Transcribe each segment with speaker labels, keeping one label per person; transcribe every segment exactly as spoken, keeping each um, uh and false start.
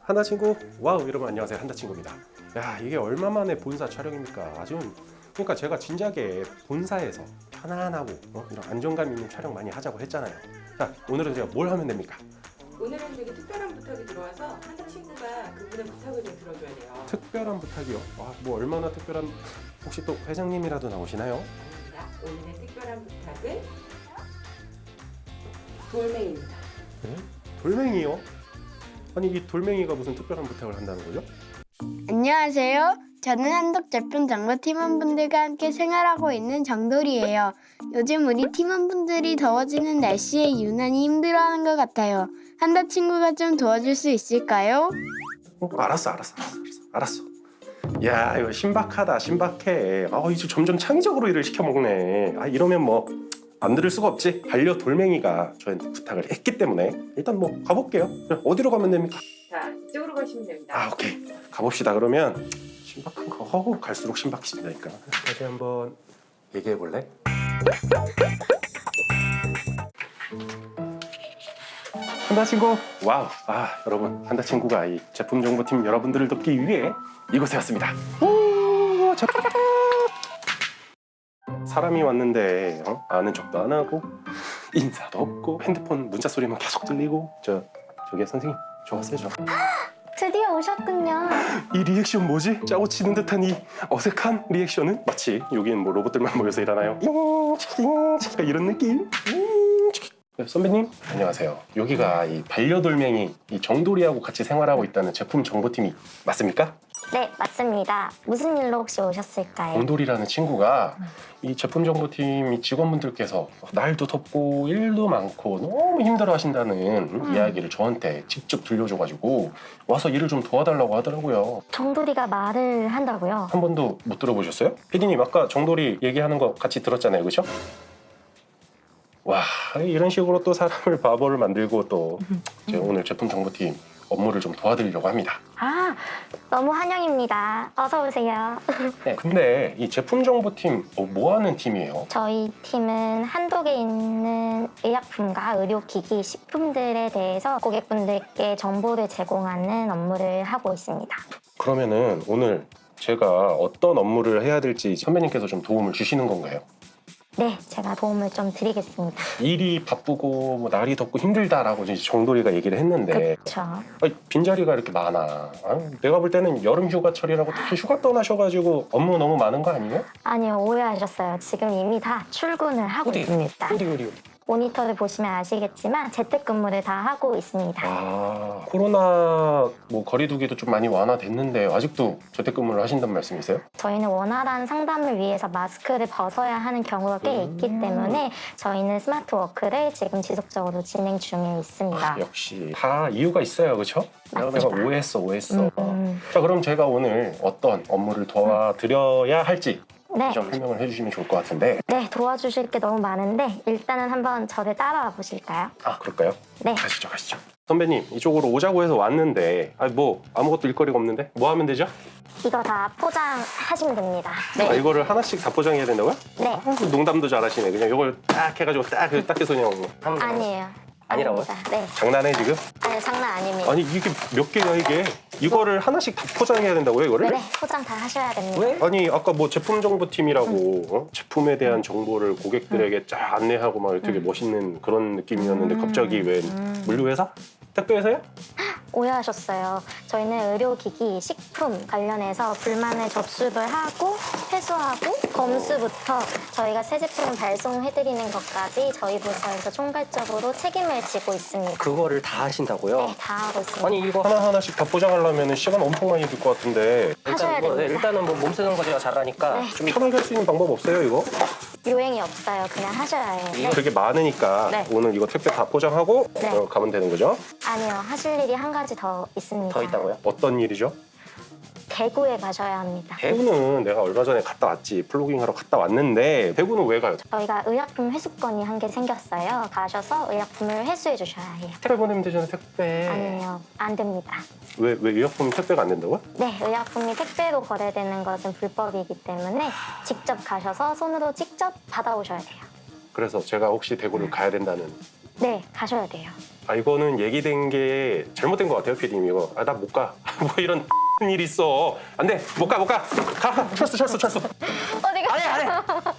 Speaker 1: 한다 친구. 와우, 여러분 안녕하세요. 한다 친구입니다. 야, 이게 얼마 만에 본사 촬영입니까? 아주. 그러니까 제가 진작에 본사에서 편안하고 어? 이런 안정감 있는 촬영 많이 하자고 했잖아요. 자, 오늘은 제가 뭘 하면 됩니까?
Speaker 2: 오늘은 되게 특별한 부탁이 들어와서 한다 친구가 그분의 부탁을 좀 들어줘야 돼요.
Speaker 1: 특별한 부탁이요? 아, 뭐 얼마나 특별한, 혹시 또 회장님이라도 나오시나요?
Speaker 2: 아닙니다. 오늘의 특별한 부탁은 돌멩이입니다.
Speaker 1: 네? 돌멩이요? 아니, 이 돌멩이가 무슨 특별한 부탁을 한다는 거죠?
Speaker 3: 안녕하세요. 저는 한독 제품 정보 팀원분들과 함께 생활하고 있는 정돌이에요. 요즘 우리 팀원분들이 더워지는 날씨에 유난히 힘들어하는 것 같아요. 한다 친구가 좀 도와줄 수 있을까요?
Speaker 1: 어, 알았어, 알았어, 알았어, 알았어. 야, 이거 신박하다, 신박해. 아, 이제 점점 창의적으로 일을 시켜 먹네. 아, 이러면 뭐 안 들을 수가 없지. 반려 돌멩이가 저한테 부탁을 했기 때문에 일단 뭐 가볼게요. 어디로 가면 됩니까?
Speaker 2: 자, 이쪽으로 가시면 됩니다.
Speaker 1: 아, 오케이. 가봅시다. 그러면 신박한 거 어우, 갈수록 신박해진다니까. 다시 한번 얘기해 볼래? 한다 친구. 와우. 아, 여러분, 한다 친구가 이 제품 정보팀 여러분들을 돕기 위해 이곳에 왔습니다. 오, 저... 사람이 왔는데 어? 아는 척도 안 하고 인사도 없고 핸드폰 문자 소리만 계속 들리고. 저 저기 선생님, 저 왔어요. 저.
Speaker 3: 드디어 오셨군요.
Speaker 1: 이 리액션 뭐지? 짜고 치는 듯한 이 어색한 리액션은 마치 여기는 뭐 로봇들만 모여서 일하나요? 이런 느낌? 네, 선배님 안녕하세요. 여기가 이 반려돌멩이 이 정돌이하고 같이 생활하고 있다는 제품 정보팀이 맞습니까?
Speaker 4: 네, 맞습니다. 무슨 일로 혹시 오셨을까요?
Speaker 1: 정돌이라는 친구가 이 제품 정보팀 이 직원분들께서 날도 덥고 일도 많고 너무 힘들어 하신다는
Speaker 4: 음.
Speaker 1: 이야기를 저한테 직접 들려줘가지고 와서 일을 좀 도와달라고 하더라고요.
Speaker 4: 정돌이가 말을 한다고요?
Speaker 1: 한 번도 못 들어보셨어요? 피디님 아까 정돌이 얘기하는 거 같이 들었잖아요, 그렇죠? 와, 이런 식으로 또 사람을 바보를 만들고 또 제가 오늘 제품 정보팀 업무를 좀 도와드리려고 합니다.
Speaker 4: 아, 너무 환영입니다. 어서 오세요.
Speaker 1: 네, 근데 이 제품 정보팀 어, 뭐 하는 팀이에요?
Speaker 4: 저희 팀은 한독에 있는 의약품과 의료기기, 식품들에 대해서 고객분들께 정보를 제공하는 업무를 하고 있습니다.
Speaker 1: 그러면은 오늘 제가 어떤 업무를 해야 될지 선배님께서 좀 도움을 주시는 건가요?
Speaker 4: 네, 제가 도움을 좀 드리겠습니다.
Speaker 1: 일이 바쁘고 뭐 날이 덥고 힘들다라고 이제 정돌이가 얘기를 했는데
Speaker 4: 그렇죠.
Speaker 1: 아니, 빈자리가 이렇게 많아. 아, 내가 볼 때는 여름 휴가철이라고 다들 휴가 떠나셔가지고 업무 너무 많은 거 아니에요?
Speaker 4: 아니요, 오해하셨어요. 지금 이미 다 출근을 하고
Speaker 1: 어디?
Speaker 4: 있습니다.
Speaker 1: 어디 어디 어디?
Speaker 4: 모니터를 보시면 아시겠지만 재택근무를 다 하고 있습니다.
Speaker 1: 아, 코로나 뭐 거리두기도 좀 많이 완화됐는데 아직도 재택근무를 하신다는 말씀이세요?
Speaker 4: 저희는 원활한 상담을 위해서 마스크를 벗어야 하는 경우가 꽤 있기 때문에 저희는 스마트 워크를 지금 지속적으로 진행 중에 있습니다.
Speaker 1: 아, 역시 다 이유가 있어요, 그렇죠? 내가 내가
Speaker 4: 맞습니다.
Speaker 1: 오해했어, 오해했어.
Speaker 4: 음, 음.
Speaker 1: 자, 그럼 제가 오늘 어떤 업무를 도와드려야 할지
Speaker 4: 네.
Speaker 1: 좀 설명을 해주시면 좋을 것 같은데.
Speaker 4: 네, 도와주실 게 너무 많은데 일단은 한번 저를 따라와 보실까요?
Speaker 1: 아, 그럴까요?
Speaker 4: 네.
Speaker 1: 가시죠, 가시죠. 선배님, 이쪽으로 오자고 해서 왔는데 아, 뭐 아무것도 일거리가 없는데 뭐 하면 되죠?
Speaker 4: 이거 다 포장하시면 됩니다.
Speaker 1: 아,
Speaker 4: 네.
Speaker 1: 이거를 하나씩 다 포장해야 된다고요?
Speaker 4: 네.
Speaker 1: 아, 농담도 잘하시네. 그냥 이걸 딱 해가지고 딱, 딱 해서 그냥 하는 거.
Speaker 4: 아니에요.
Speaker 1: 아니라고요?
Speaker 4: 아닙니다. 네.
Speaker 1: 장난해 지금?
Speaker 4: 아니, 장난 아닙니다.
Speaker 1: 아니 이게 몇 개야 이게? 이거를 하나씩 다 포장해야 된다고요, 이거를?
Speaker 4: 네, 네, 포장 다 하셔야 됩니다.
Speaker 1: 왜? 아니 아까 뭐 제품 정보팀이라고 어? 제품에 대한 정보를 고객들에게 쫙 안내하고 막 되게 멋있는 그런 느낌이었는데 갑자기 왜 물류회사? 택배회사요?
Speaker 4: 오해하셨어요. 저희는 의료기기, 식품 관련해서 불만을 접수를 하고 회수하고 검수부터 저희가 새 제품을 발송해드리는 것까지 저희 부서에서 총괄적으로 책임을 지고 있습니다.
Speaker 5: 그거를 다 하신다고요?
Speaker 4: 네, 다 하고 있습니다.
Speaker 5: 아니 이거
Speaker 1: 하나하나씩 다 포장하려면 시간 엄청 많이 들 것 같은데
Speaker 4: 하셔야
Speaker 5: 일단 뭐, 네,
Speaker 4: 됩니다.
Speaker 5: 일단은 뭐 몸 쓰는 거 제가 잘하니까
Speaker 4: 네.
Speaker 5: 좀
Speaker 1: 편하게 할 수 있는 방법 없어요, 이거?
Speaker 4: 요행이 없어요. 그냥 하셔야 해요. 네.
Speaker 1: 되게 많으니까
Speaker 4: 네.
Speaker 1: 오늘 이거 택배 다 포장하고
Speaker 4: 네.
Speaker 1: 어, 가면 되는 거죠?
Speaker 4: 아니요, 하실 일이 한 가지 더 있습니다.
Speaker 5: 더 있다고요?
Speaker 1: 어떤 일이죠?
Speaker 4: 대구에 가셔야 합니다.
Speaker 1: 대구는 내가 얼마 전에 갔다 왔지. 플로깅하러 갔다 왔는데 대구는 왜 가요?
Speaker 4: 저희가 의약품 회수권이 한 개 생겼어요. 가셔서 의약품을 회수해 주셔야 해요.
Speaker 1: 택배 보내면 되잖아요, 택배.
Speaker 4: 아니요, 안 됩니다.
Speaker 1: 왜, 왜 의약품 택배가 안 된다고요?
Speaker 4: 네, 의약품이 택배로 거래되는 것은 불법이기 때문에 직접 가셔서 손으로 직접 받아오셔야 돼요.
Speaker 1: 그래서 제가 혹시 대구를 가야 된다는
Speaker 4: 네, 가셔야 돼요.
Speaker 1: 아 이거는 얘기된 게 잘못된 것 같아요, 피디님. 이거 아 나 못 가. 뭐 이런 일 있어. 안 돼. 못 가, 못 가. 가, 가. 철수, 철수, 철수.
Speaker 4: 어디가?
Speaker 1: 안 해, 안 해.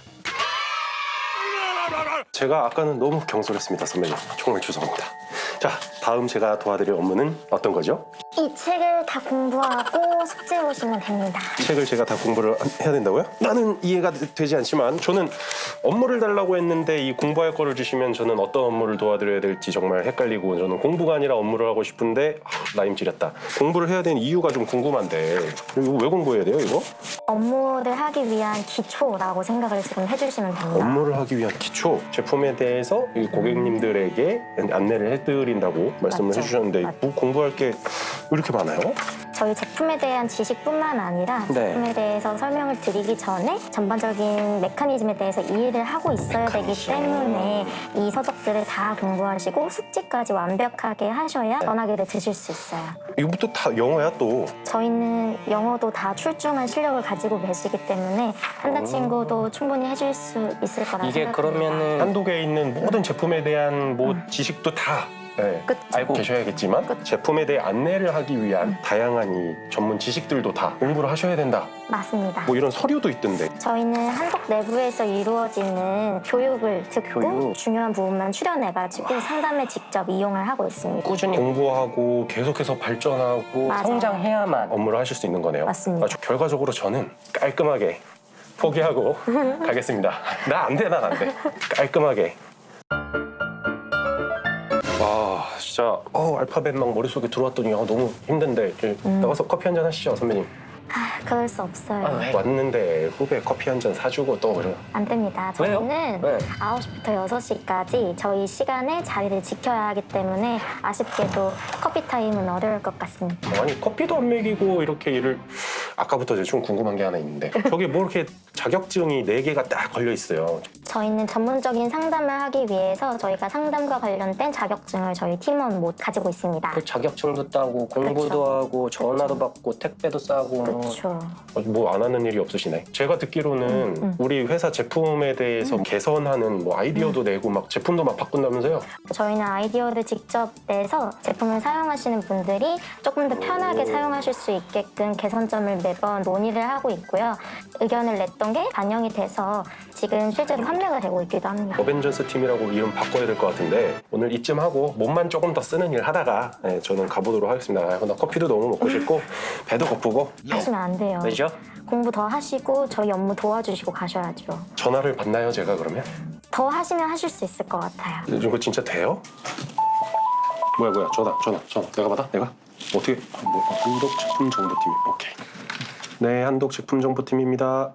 Speaker 1: 제가 아까는 너무 경솔했습니다, 선배님. 정말 죄송합니다. 자, 다음 제가 도와드릴 업무는 어떤 거죠?
Speaker 4: 이 책을 다 공부하고 숙제 오시면 됩니다.
Speaker 1: 책을 제가 다 공부를 해야 된다고요? 나는 이해가 되- 되지 않지만 저는 업무를 달라고 했는데 이 공부할 거를 주시면 저는 어떤 업무를 도와드려야 될지 정말 헷갈리고 저는 공부가 아니라 업무를 하고 싶은데 아, 라임 지렸다. 공부를 해야 되는 이유가 좀 궁금한데 이거 왜 공부해야 돼요, 이거?
Speaker 4: 업무를 하기 위한 기초라고 생각을 지금 해주시면 됩니다.
Speaker 1: 업무를 하기 위한 기초 제품에 대해서 이 고객님들에게 안내를 해드린다고 말씀을
Speaker 4: 맞죠.
Speaker 1: 해주셨는데
Speaker 4: 맞죠.
Speaker 1: 뭐 공부할 게 왜 이렇게 많아요?
Speaker 4: 저희 제품에 대한 지식뿐만 아니라
Speaker 1: 네.
Speaker 4: 제품에 대해서 설명을 드리기 전에 전반적인 메커니즘에 대해서 이해를 하고 있어야 되기
Speaker 1: 메커니즘.
Speaker 4: 때문에 이 서적들을 다 공부하시고 숙지까지 완벽하게 하셔야 전화기를 드실 수 있어요.
Speaker 1: 이거부터 다 영어야 또.
Speaker 4: 저희는 영어도 다 출중한 실력을 가지고 계시기 때문에 한다
Speaker 1: 음.
Speaker 4: 친구도 충분히 해줄 수 있을 거라
Speaker 5: 이게
Speaker 4: 생각합니다.
Speaker 5: 그러면은
Speaker 1: 한독에 있는 모든 제품에 대한 뭐 지식도 다 네,
Speaker 4: 그쵸.
Speaker 1: 알고 계셔야겠지만 제품에 대해 안내를 하기 위한 다양한 이 전문 지식들도 다 공부를 하셔야 된다.
Speaker 4: 맞습니다.
Speaker 1: 뭐 이런 서류도 있던데.
Speaker 4: 저희는 한독 내부에서 이루어지는 교육을 듣고
Speaker 5: 교육.
Speaker 4: 중요한 부분만 추려내가지고 상담에 직접 이용을 하고 있습니다.
Speaker 5: 꾸준히
Speaker 1: 공부하고 계속해서 발전하고
Speaker 4: 맞아요.
Speaker 5: 성장해야만
Speaker 1: 업무를 하실 수 있는 거네요.
Speaker 4: 맞습니다.
Speaker 1: 아, 저- 결과적으로 저는 깔끔하게 포기하고 가겠습니다. 나 안 돼, 난 안 돼. 깔끔하게. 와, 진짜 어, 알파벳 막 머릿속에 들어왔더니 아, 너무 힘든데 이제
Speaker 4: 음.
Speaker 1: 나가서 커피 한잔 하시죠, 선배님.
Speaker 4: 아, 그럴 수 없어요.
Speaker 5: 아, 왜?
Speaker 1: 왔는데 후배 커피 한 잔 사주고 또 그래.
Speaker 4: 안 됩니다.
Speaker 5: 왜요?
Speaker 4: 저희는
Speaker 5: 네.
Speaker 4: 아홉 시부터 여섯 시까지 저희 시간에 자리를 지켜야 하기 때문에 아쉽게도 커피 타임은 어려울 것 같습니다.
Speaker 1: 아니 커피도 안 먹이고 이렇게 일을 아까부터 이제 좀 궁금한 게 하나 있는데 저기 뭐 이렇게 자격증이 네 개가 딱 걸려 있어요.
Speaker 4: 저희는 전문적인 상담을 하기 위해서 저희가 상담과 관련된 자격증을 저희 팀원 못 가지고 있습니다.
Speaker 5: 그 자격증도 따고 공부도
Speaker 4: 그쵸.
Speaker 5: 하고 전화도 받고 택배도 싸고 뭐
Speaker 4: 그렇죠.
Speaker 1: 뭐 안 하는 일이 없으시네. 제가 듣기로는
Speaker 4: 음, 음.
Speaker 1: 우리 회사 제품에 대해서 개선하는 뭐 아이디어도 내고 막 제품도 막 바꾼다면서요?
Speaker 4: 저희는 아이디어를 직접 내서 제품을 사용하시는 분들이 조금 더 편하게 사용하실 수 있게끔 개선점을 매번 논의를 하고 있고요. 의견을 냈던 게 반영이 돼서 지금 실제로 판매가 되고 있기도 합니다.
Speaker 1: 어벤져스 팀이라고 이름 바꿔야 될 것 같은데 오늘 이쯤 하고 몸만 조금 더 쓰는 일 하다가 네, 저는 가보도록 하겠습니다. 아, 나 커피도 너무 먹고 싶고 배도 고프고
Speaker 4: 하시면 안 돼요.
Speaker 5: 왜죠?
Speaker 4: 공부 더 하시고 저희 업무 도와주시고 가셔야죠.
Speaker 1: 전화를 받나요, 제가 그러면?
Speaker 4: 더 하시면 하실 수 있을 것 같아요.
Speaker 1: 이거 진짜 돼요? 뭐야 뭐야 전화 전화 전화 내가 받아? 내가? 어떻게? 뭐, 한독 제품 정보팀 오케이. 네, 한독 제품 정보팀입니다.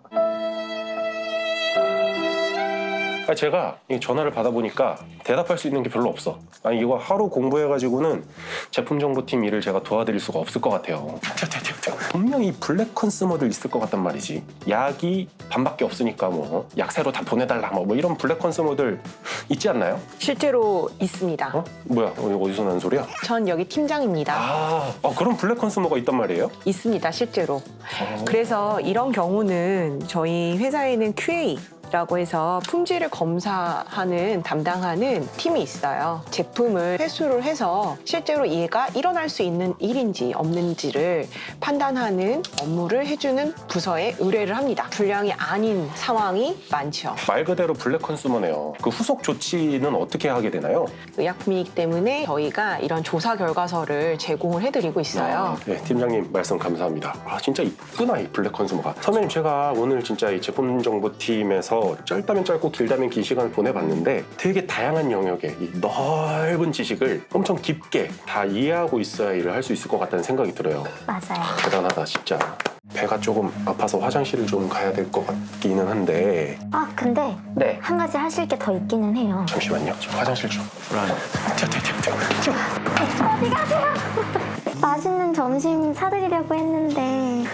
Speaker 1: 아니, 제가 이 전화를 받아보니까 대답할 수 있는 게 별로 없어. 아니 이거 하루 공부해가지고는 제품 정보팀 일을 제가 도와드릴 수가 없을 것 같아요. 분명히 블랙 컨슈머들 있을 것 같단 말이지. 약이 반밖에 없으니까 뭐 약세로 다 보내달라 뭐, 뭐 이런 블랙 컨슈머들 있지 않나요?
Speaker 6: 실제로 있습니다.
Speaker 1: 어? 뭐야 오늘 어디서 나는 소리야?
Speaker 6: 전 여기 팀장입니다.
Speaker 1: 아, 아 그런 블랙 컨슈머가 있단 말이에요?
Speaker 6: 있습니다, 실제로.
Speaker 1: 어.
Speaker 6: 그래서 이런 경우는 저희 회사에는 큐에이 라고 해서 품질을 검사하는 담당하는 팀이 있어요. 제품을 회수를 해서 실제로 얘가 일어날 수 있는 일인지 없는지를 판단하는 업무를 해주는 부서에 의뢰를 합니다. 불량이 아닌 상황이 많죠.
Speaker 1: 말 그대로 블랙 컨슈머네요. 그 후속 조치는 어떻게 하게 되나요?
Speaker 6: 의약품이기 때문에 저희가 이런 조사 결과서를 제공을 해드리고 있어요.
Speaker 1: 네, 팀장님 말씀 감사합니다. 아 진짜 있구나 이 블랙 컨슈머가. 선배님 제가 오늘 진짜 이 제품 정보팀에서 짧다면 짧고 길다면 긴 시간을 보내봤는데 되게 다양한 영역의 이 넓은 지식을 엄청 깊게 다 이해하고 있어야 일을 할 수 있을 것 같다는 생각이 들어요.
Speaker 4: 맞아요.
Speaker 1: 대단하다 진짜. 배가 조금 아파서 화장실을 좀 가야 될 것 같기는 한데
Speaker 4: 아, 근데
Speaker 5: 네.
Speaker 4: 한 가지 하실 게 더 있기는 해요.
Speaker 1: 잠시만요. 저 화장실 좀. 튀어 튀어 튀어 튀어. 튀어.
Speaker 4: 어디 가세요? 맛있는 점심 사드리려고 했는데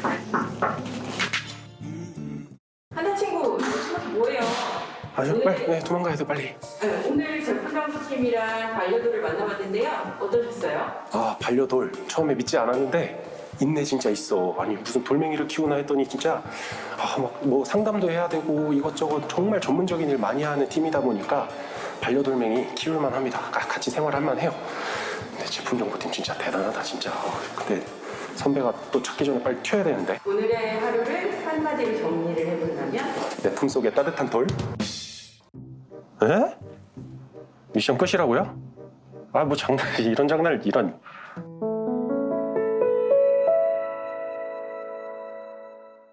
Speaker 2: 한다 친구 이거 뭐예요?
Speaker 1: 아저 빨리 네, 도망가야 돼 빨리.
Speaker 2: 네, 오늘 제품 정보팀이랑 반려도를 만나봤는데요. 어떠셨어요?
Speaker 1: 아 반려돌 처음에 믿지 않았는데 있네 진짜 있어. 아니 무슨 돌멩이를 키우나 했더니 진짜 아 막 뭐 상담도 해야 되고 이것저것 정말 전문적인 일 많이 하는 팀이다 보니까 반려돌멩이 키울만 합니다. 가- 같이 생활할만 해요. 근데 제품 정보팀 진짜 대단하다 진짜. 어, 근데 선배가 또 찾기 전에 빨리 튀어야 되는데.
Speaker 2: 오늘의 하루를 한마디로 정리를 해본다면
Speaker 1: 내 품속에 따뜻한 돌? 에? 미션 끝이라고요? 아 뭐 장난 이런 장난을 이런